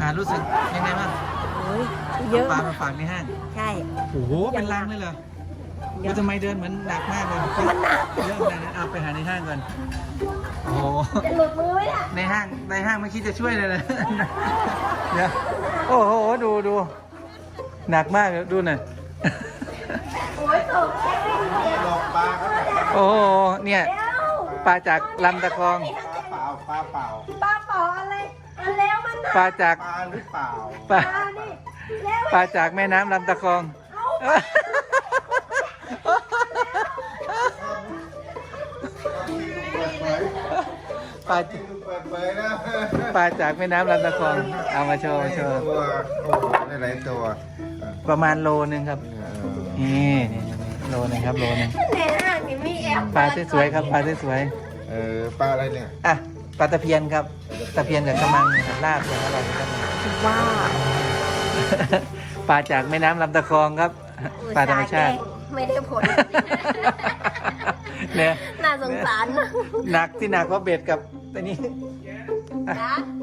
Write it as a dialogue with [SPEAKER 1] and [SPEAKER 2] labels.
[SPEAKER 1] รู้สึกยังไงบ้าง
[SPEAKER 2] โอ้ยเยอะ
[SPEAKER 1] ปลามาฝากในห้าง
[SPEAKER 2] ใช่
[SPEAKER 1] โอ้โหเป็นลังเลยเหรอ
[SPEAKER 2] เยอะ
[SPEAKER 1] ทำไมเดินเหมือนหนักมากเลยมันหนักเยอะขนาดนั้นเอาไปหาในห้างก่อนโอ้โห
[SPEAKER 2] จะหลุดมือไหมเนี่ย
[SPEAKER 1] ในห้างไม่คิดจะช่วยเลยนะเดี๋ยวโอ้โหดูหนักมากดูหน่อย
[SPEAKER 2] โอ้ยตกแค่ไม่ดี
[SPEAKER 3] หลอกปลาครับ
[SPEAKER 1] โอ้โหเนี่ยปลาจากลำตะคอง
[SPEAKER 3] ปลาเปล่า
[SPEAKER 2] ปลาเป๋าอะไรอันแล้วมัน
[SPEAKER 1] ปลาจาก
[SPEAKER 3] ปลาหรือเปล่า
[SPEAKER 1] ปลา
[SPEAKER 2] ปลานี่แล้ว
[SPEAKER 1] ปลาจากแม่น้ำลำตะคอง
[SPEAKER 3] เปิดเผย
[SPEAKER 1] ปลา
[SPEAKER 3] ที่ดูเปิดเผยนะ
[SPEAKER 1] ปลาจากแม่น้ำลำตะคองเอามาโชว์
[SPEAKER 3] ตัวโอ้โหได้หลายตัว
[SPEAKER 1] ประมาณโลนึงครับนี่โลนึงครับโลนึง
[SPEAKER 2] ในห้างนี่มีแอป
[SPEAKER 1] ปลาสวยๆครับปลาสวย
[SPEAKER 3] ปลาอะไรเนี่ย
[SPEAKER 1] ๆอ่ะปลาตะเพียนครับตะเพียนกับกระมังนะครับลาบอย่างอร่อยครับ
[SPEAKER 2] ว้าว
[SPEAKER 1] ปลาจากแม่น้ำลำตะคองครับปลาธรรมชาติ
[SPEAKER 2] ไม่ได้ผล
[SPEAKER 1] เนี่ย
[SPEAKER 2] น่าสงสารนะ
[SPEAKER 1] หนักที่หนักเพราะเบ็ดกับตัวนี้
[SPEAKER 2] นะ